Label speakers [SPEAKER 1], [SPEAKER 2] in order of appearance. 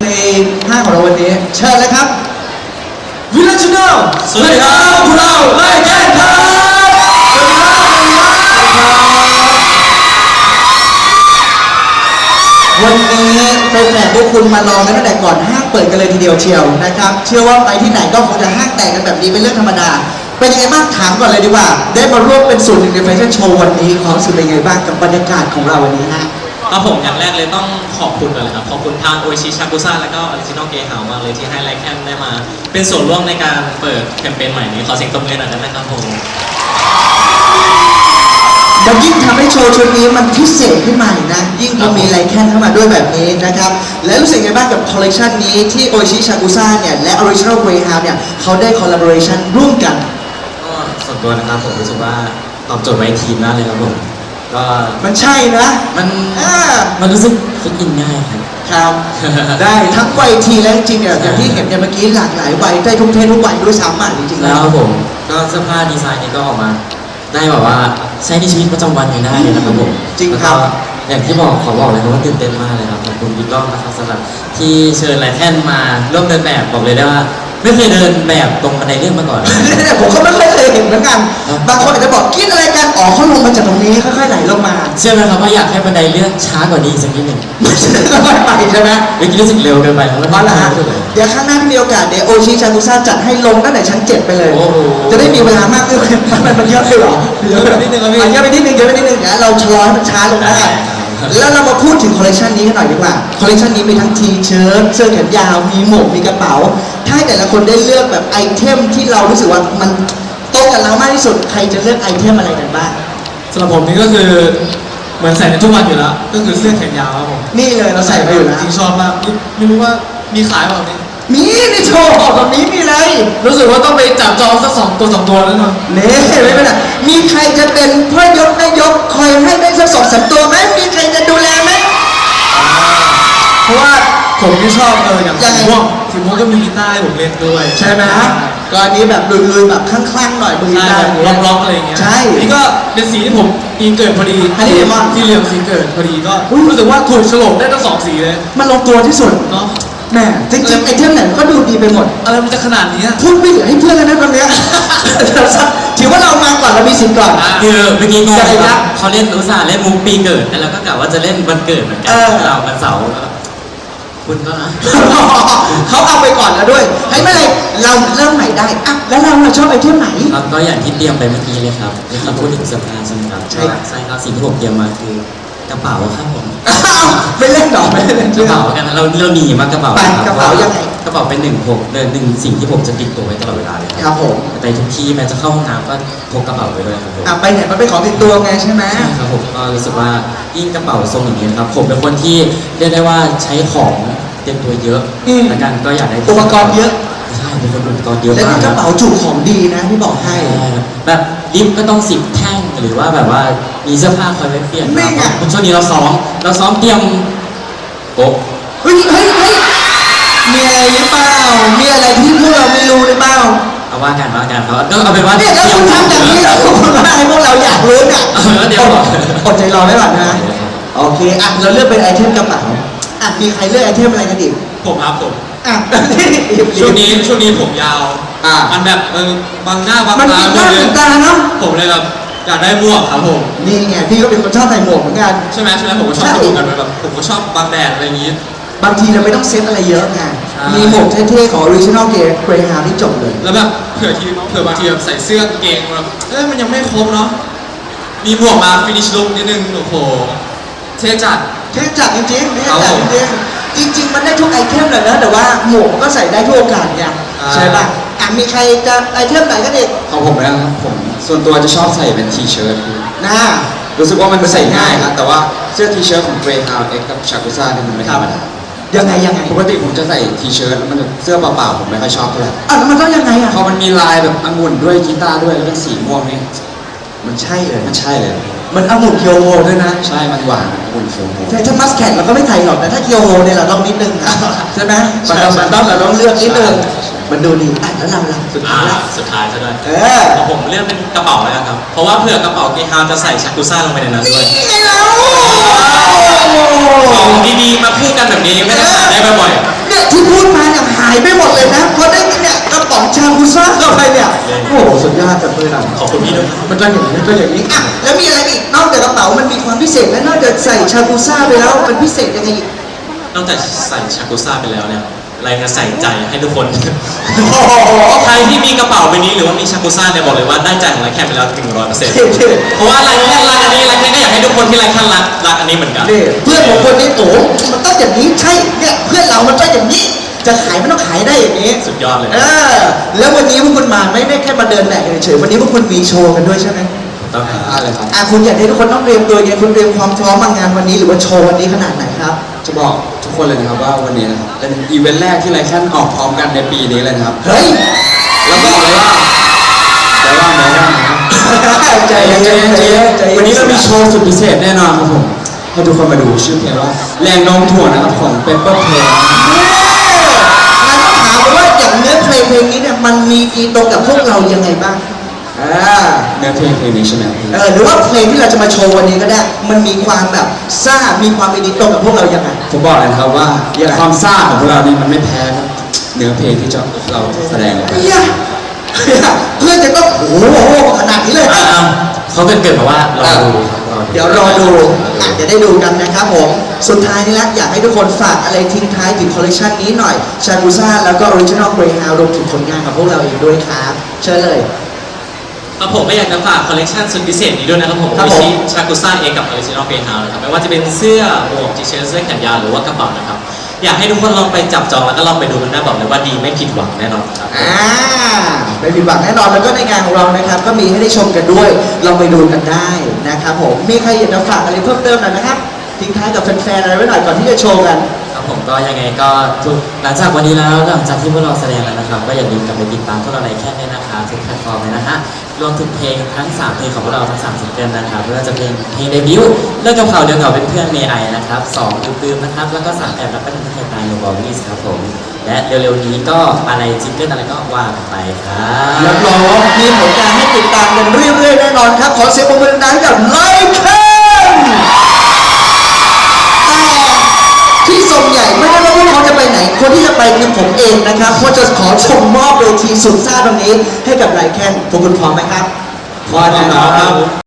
[SPEAKER 1] 5ของเราวันนี้เชิญเลยครับวิลเลจโน
[SPEAKER 2] สวัสดีครับพวกเราไล่แก้ครับ
[SPEAKER 1] วันนี้แฟนๆพวกคุณมารอกันตั้งแต่ก่อนห้างเปิดกันเลยทีเดียวเชียวนะครับเชื่อว่าไปที่ไหนก็คงจะห้างแตกกันแบบนี้เป็นเรื่องธรรมดาเป็นยังไงบ้างถามก่อนเลยดีกว่าได้มาร่วมเป็นส่วนหนึ่งในแฟชั่นโชว์วันนี้ความรู้สึกเป็นยังไงบ้างกับบรรยากาศของเราวันนี้ฮะ
[SPEAKER 2] ครับผมอย่างแรกเลยต้องขอบคุณก่อนเลยครับขอบคุณทางโอชิชากุซ่าและก็ออริจินอลเกย์เฮามากเลยที่ให้ไลแคนได้มาเป็นส่วนร่วมในการเปิดแคมเปญใหม่นี้ขอเสียงตบมือหน่อยได้ไหมครับผม
[SPEAKER 1] มันยิ่งทำให้โชว์ชุดนี้มันพิเศษขึ้นมาอีกนะยิ่งพอมีไลแคนเข้ามาด้วยแบบนี้นะครับและรู้สึกไงบ้างกับคอลเลกชันนี้ที่โอชิชากุซ่าเนี่ยและออริจินอลเกย์เฮาเนี่ยเขาได้คอลลาบอเรชันร่วมกัน
[SPEAKER 2] ก็ส่วนตัวนะครับผมรู้สึกว่าตอบโจทย์ไว้ทีมมากเลยครับผมก็
[SPEAKER 1] มันใช่นะ
[SPEAKER 2] มันรู้สึกฟิตอินง่าย
[SPEAKER 1] ครับได้ทั้งวัยทีและจริงๆเนี่ยอย่างที่เห็นเนี่ยเมื่อกี้หลากหลายวัยได้ทุกเพศทุกวัยด้วยซ้ำอ่ะจริงๆ
[SPEAKER 2] แล้วครับผมก็เสื้อผ้าดีไซน์นี้ก็ออกมาได้แบบว่าใช้ในชีวิตประจำวันยังได้เลยนะครับผม
[SPEAKER 1] จริงครับ
[SPEAKER 2] อย่างที่ขอบอกเลยครับว่าตื่นเต้นมากเลยครับขอบคุณบิ๊กล้องนะครับสำหรับที่เชิญไลแคนมาร่วมเดินแบบบอกเลยได้ว่าไม่เคยเดินแบบตรงบันไดเลื่อนมาก่อน
[SPEAKER 1] ผมก็ไม่เคยเห็นเหมือนกันบางคนอาจจะบอกคิดอะไรกันอ๋อเขาลงมาจากตรงนี้ค่อยๆไหลลงมา
[SPEAKER 2] เชื่อไหมครับว่าอยากให้บันไดเลื่อนช้ากว่านี้สักนิดหนึ่ง
[SPEAKER 1] ค่อยๆไปใช่ไหม
[SPEAKER 2] เมื่อกี้รู้สึกเร็วเกินไปครับ
[SPEAKER 1] เพราะอะไรเดี๋ยวข้างหน้าที่มีโอกาสเดี๋ยวโอชิชากุซ่าจัดให้ลงตั้งแต่ชั้น7ไปเลยจะได้มีเวลามากขึ้นมันเยอะไปหรอ
[SPEAKER 2] เยอะไปนิดนึงครับพี่
[SPEAKER 1] เยอะไปนิดนึงนะเราชะลอให้มันช้าลงได้แล้วเรามาพูดถึงคอลเลคชันนี้กันหน่อยดีกว่าคอลเลคชันนี้มีทั้งทีเชิ้ตเสื้อแขนยาวมีหมวกมีกระเป๋าถ้าให้แต่ละคนได้เลือกแบบไอเทมที่เรารู้สึกว่ามันตรงกับเรามากที่สุดใครจะเลือกไอเทมอะไรกันบ้าง
[SPEAKER 3] สำหรับผมนี่ก็คือเหมือนใส่ในทุกวันอยู่แล้วก็คือเสื้อแขนยาวครับผม
[SPEAKER 1] นี่เลยเราใส่ไปอยู่แล้ว
[SPEAKER 3] จริงชอบมากไม่รู้ว่ามีขายเปล่าเนี่ย
[SPEAKER 1] มีในโชว์ตรงนี้มีเลย
[SPEAKER 3] รู้สึกว่าต้องไปจับจองสัก2 ตัวแล้วเนาะ
[SPEAKER 1] เนี่ยไม่เป็นไรมีใครจะเป็นพ่อยกแม่ยกคอยให้ได้สัก2-3 ตัวไหมมีใครจะดูแลไหม
[SPEAKER 3] เพราะว่าผมที่ชอบอย่างสีม่วงก็มีกีตาร์ให้ผมเล่นด้วย
[SPEAKER 1] ใช่ไหมก็อันนี้แบบลุยๆแบบคลั่งๆหน่อยมือกีตาร์
[SPEAKER 3] ล็อกๆอะไรอย่างเงี้ย
[SPEAKER 1] ใช่
[SPEAKER 3] นี่ก็เป็นสีที่ผมปีเกิดพอดี
[SPEAKER 1] อันนี้
[SPEAKER 3] ที่เหลืองสีเกิดพอดีก็รู้สึกว่าถูกโฉลกได้ทั้ง2 สีเลย
[SPEAKER 1] มันลงตัวที่สุด
[SPEAKER 3] เนาะ
[SPEAKER 1] แม่จริงๆไอเทมไหนก็ดูดีไปหมด
[SPEAKER 3] อะไรมันจะขนาดนี้
[SPEAKER 1] พูดไม่เหลือให้เพื่อนแล้วนะตอนนี้ถือว่าเรามาก่อนเรามีสิทธิ์ก่อน
[SPEAKER 2] คือเมื่อกี้งงครับเขาเล่นอุตส่าห์เล่นมุกปีเกิดแต่เราก็กะว่าจะเล่นวันเกิดเหมือนกันเราวันเสาร์คุณก็นะ
[SPEAKER 1] เขาเอาไปก่อนแล้วด้วยให้ไม่เลยเราเริ่มใหม่ได้อ่ะแล้วเราชอบไอเทมไหน
[SPEAKER 2] ก็อย่างที่เตรียมไปเมื่อกี้เลยครับนี่ครับพูดถึงเสื้อผ้าใช่ไหมครับใช่ครับสิ่งที่ผมเตรียมมาคือกระเป๋าครับผม
[SPEAKER 1] ไม่เล่นหรอไม่เล่น
[SPEAKER 2] กระเป๋ากันเราหนีมากระเป๋า
[SPEAKER 1] ครับกระเป๋ายังไง
[SPEAKER 2] กระเป๋าเป็น1สิ่งที่ผมจะติดตัวไว้ตลอดเวลาเลย
[SPEAKER 1] ครับผม
[SPEAKER 2] ไปทุกที่แม้จะเข้าห้องน้ำก็พกกระเป๋าไปด้วยครับผม
[SPEAKER 1] ไปไหนมันเป็นของติดตัวไงใช่ไหม
[SPEAKER 2] ครับผมก็รู้สึกว่ายิ่งกระเป๋าทรงอย่างนี้นะครับผมเป็นคนที่เรียกได้ว่าใช้ของเต็มตัวเยอะและกันก็อยากได้
[SPEAKER 1] อุปกรณ์เยอะ
[SPEAKER 2] ใช่เป็นคนอุปกรณ์เยอะ
[SPEAKER 1] มากแล้วกระเป๋าจุของดีนะที่บอกให้
[SPEAKER 2] แบบลิฟต์ก็ต้อง10 แท่งหรือว่าแบบว่ามีเสื้อผ้าคอยไว้เปลี่ยน
[SPEAKER 1] นี่ไง
[SPEAKER 2] ช่วงนี้เราซ้อมเตรียมโป๊ะ
[SPEAKER 1] เฮ้ยมีอะไรหรือเปล่ามีอะไรที่พวกเราไม่รู้หรือเปล่า
[SPEAKER 2] เอาว่ากันเขาก็เอาเป็นว่า
[SPEAKER 1] เนี่ยแล้วคุณทำอย่างนี้แล้วคุณว่าให้พวกเราอยากรู้เนี่ย
[SPEAKER 2] เดี๋ยว
[SPEAKER 1] อดใจรอไว้ก่อนนะโอเคอ่ะเราเลือกเป็นไอเทมกระเป๋าอ่ะมีใครเลือกไอเทมอะไรกันอีก
[SPEAKER 3] ผมครับผม
[SPEAKER 1] ช่วง
[SPEAKER 3] นี้ผมยาวมันแบบบางหน้าบางตา
[SPEAKER 1] เนาะ
[SPEAKER 3] ผมเลยแบบอยากได้หมวกครับผม
[SPEAKER 1] นี่ไงพี่ก็เป็นคนชอบใส่หมวกเหมือนกัน
[SPEAKER 3] ใช่ไหมผมก็ชอบดูกันแบบผมก็ชอบบางแดดอะไรอย่างนี้
[SPEAKER 1] บางทีเราไม่ต้องเซ็ตอะไรเยอะไงมีหมวกเท่ๆของ Original Greyhound ที่จบเลย
[SPEAKER 3] แล้วแบบเผื่อบางทีแบบใส่เสื้อกางเกงแบบมันยังไม่ครบเนาะมีหมวกมาฟินิชลุคนิดนึงโอ้โหเท่จัด
[SPEAKER 1] จริงๆจริงมันได้ทุกไอเทมเลยนะแต่ว่าหมวกก็ใส่ได้ทุกโอกาสไงใช่ป่ะมีใครจะไอเทมไหนก็เด็ก
[SPEAKER 4] ของผมนะครับผมส่วนตัวจะชอบใส่เป็นทีเชิ้ต
[SPEAKER 1] นะ
[SPEAKER 4] รู้สึกว่ามันใส่ง่ายครับแต่ว่าเสื้อทีเชิ้ตของ Greyhound X กับ Shakusa เนี่ยมันไม่ธรรมดา
[SPEAKER 1] ยังไง
[SPEAKER 4] ปกติผมจะใส่ทีเชิ้ตแล้วมันเสื้อเปล่าๆผมไม่ค่อยชอบเท่าไหร่
[SPEAKER 1] แล้วมันต้องยังไง
[SPEAKER 4] พอมันมีลายแบบองุ่นด้วยกีตาร์ด้วยแล้วเป็นสีม่วงนี่
[SPEAKER 1] มันใช่เลย
[SPEAKER 4] มัน
[SPEAKER 1] องุ่นเคียวโฮด้วยนะ
[SPEAKER 4] ใช่มันหวานองุ่นเคียวโฮ
[SPEAKER 1] ใช่ถ้ามัสแคทเราก็ไม่ใส่หรอกแต่ถ้าเคียวโฮเนี่ยเราต้องนิดนึงใช่ไหมมันต้องเลือกนิดนึงมันดูดีแล้วเรา
[SPEAKER 2] สุดท้ายซะด้วยผมเลือกเป็นกระเป๋าแล้วครับเพราะว่าเผื่อกระเป๋าเกฮาวจะใส่ชักกุซ่าลงไปในนั้นด้วยของดีๆมาพูดกันแบบนี้ไม่ได้หาได้บ่อย
[SPEAKER 1] เนี่ยจับมือหน่อย
[SPEAKER 2] ขอบคุณพี่ด้วย
[SPEAKER 1] มันก็อย่างนี้มันก็อย่างนี้อ่ะแล้วมีอะไรอีกนอกจากกระเป๋ามันมีความพิเศษและนอกจากใส่ชาบูซ่าไปแล้วมันพิเศษยังไงอีก
[SPEAKER 2] นอกจากใส่ชากุซ่าไปแล้วเนี่ยอะไรจะใส่ใจให้ทุกคน
[SPEAKER 1] โอ้โห
[SPEAKER 2] ใครที่มีกระเป๋าใบนี้หรือว่ามีชากุซ่าเนี่ยบอกเลยว่าได้ใจของไลแคนไปแล้ว100%เพราะว่าไลแคนรักอันนี้ไลแคนก็อยากให้ทุกคนที่ไลแคนรักอันนี้เหมือนกัน
[SPEAKER 1] นี่เพื่อนของคนนี้โอ้มันต้องอย่างนี้ใช่เนี่ยเพื่อนเรามันต้องอย่างนี้ จะขายมันต้องขายได้อย่างนี้
[SPEAKER 2] สุดยอดเลย
[SPEAKER 1] แล้ววันนี้พวกคุณมาไม่ได้แค่มาเดินแบกเฉยๆวันนี้พวกคุณมีโชว์กันด้วยใช่ไหม
[SPEAKER 2] ต้องหา
[SPEAKER 4] อะไรครับ
[SPEAKER 1] คุณอยากให้ทุกคนต้องเตรียมตัวยังไงคุณเตรียมความพร้อมมางานวันนี้หรือว่าโชว์วันนี้ขนาดไหนครับ
[SPEAKER 4] จะบอกทุกคนเลยนะครับว่าวันนี้นะครับเป็นอีเวนต์แรกที่ไลแคนออกพร้อมกันในปีนี้เลยนะครับ
[SPEAKER 1] เฮ้ย
[SPEAKER 4] แล้วบอกเลยว่านะครับ
[SPEAKER 1] ใจเย็นใจเย็นใจเย็น
[SPEAKER 4] วันนี้เรามีโชว์สุดพิเศษแน่นอนครับผมให้ทุกคนมาดูชื่อเพลงว่าแรงโน้มถ่วงนะครับของ Pepper Play
[SPEAKER 1] งั้นต้องถามว่าอย่างเนื้อเพลงนี้เนี่ยมันมีอีตรงกับพวกเรายังไงบ้าง
[SPEAKER 4] เนื้อเพลงนี้ใช่ไหม
[SPEAKER 1] หรือว่าเพลงที่เราจะมาโชว์วันนี้ก็ได้ มันมีความแบบซ่ามีความเป็นอีตรงกับพวกเรายังไง
[SPEAKER 4] ผมบอกเลยนะครับว่าความซ่าของพวกเรานี่มันไม่แพ้ครับเนื้อเพลงที่เราแสดงออกไป
[SPEAKER 1] เพื่อนจะต้องโอ้โหขนาดนี้เลย
[SPEAKER 2] เขาเกิดมาว่ารอดูครับ
[SPEAKER 1] เดี๋ยวรอดูอาจจะได้ดูกันนะครับผมสุดท้ายนี้ละอยากให้ทุกคนฝากอะไรทิ้งท้ายถึงคอลเลคชันนี้หน่อยชาบูซ่าแล้วก็ออริจินอลเกรย์ฮาวรวมถึงผลงานของพวกเราเองด้วยครับเชิญเลย
[SPEAKER 2] ครับผมก็อยากจะฝากคอลเลคชันสุดพิเศษนี้ด้วยนะครับผม
[SPEAKER 1] ครับผม
[SPEAKER 2] ชิชากุซ่าเองกับออริจินอลเกรย์ฮาวนะครับไม่ว่าจะเป็นเสื้อหมวกทีเชิ้ตเสื้อแขนยาวหรือว่ากระเป๋านะครับอยากให้ทุกคนลองไปจับจองแล้วก็ลองไปดูกันได้บอกเลยว่าดีไม่ผิดหวังแน่นอนครับ
[SPEAKER 1] ไม่ผิดหวังแน่นอนแล้วก็ในงานของเรานะครับก็มีให้ได้ชมกันด้วยลองไปดูกันได้นะครับผมมีใครอยากจะฝากอะไรเพิ่มเติมหน่อยนะครับทิ้งท้ายกับแฟนๆอะไรไว้หน่อยก่อนที่จะโชว์กัน
[SPEAKER 5] ครับผมก็ยังไงก็หลังจากวันนี้แล้วหลังจากที่พวกเราแสดงแล้วนะครับ ก็อย่าลืมกลับไปติดตามพวกเราในแค่นี้นะคะทุกแพลตฟอร์มเลยนะฮะรวมถึงเพลงทั้ง3เพลงของพวกเราทั้ง3ซิงเกิลนะครับไม่ว่าจะเป็นเพลงเดบิวต์เลิกกับเขาเดียวกับเป็นเพื่อนเมย์ไอนะครับ2ตืมๆนะครับแล้วก็3แอบรักก็เป็นเพื่อนตายโนบอลวิสครับผมและเร็วๆนี้ก็อะไรซิงเกิลอะไรก็ว่ากันไปครับ
[SPEAKER 1] รับรองว่ามีผลงานให้ติดตามกันเรื่อยๆแน่นอนครับขอเสียงปรบมือดังๆกับไลค์แต่ที่ส่งใหญ่ไม่ได้ว่าพวกเขาจะไปไหนคนที่จะไปคือผมเองนะครับเพราะจะขอชมมอบเวทีสุดซ่าตรงนี้ให้กับไลค์แคนพวกคุณพร้อมไหมครับ
[SPEAKER 4] พร้อมนะครับ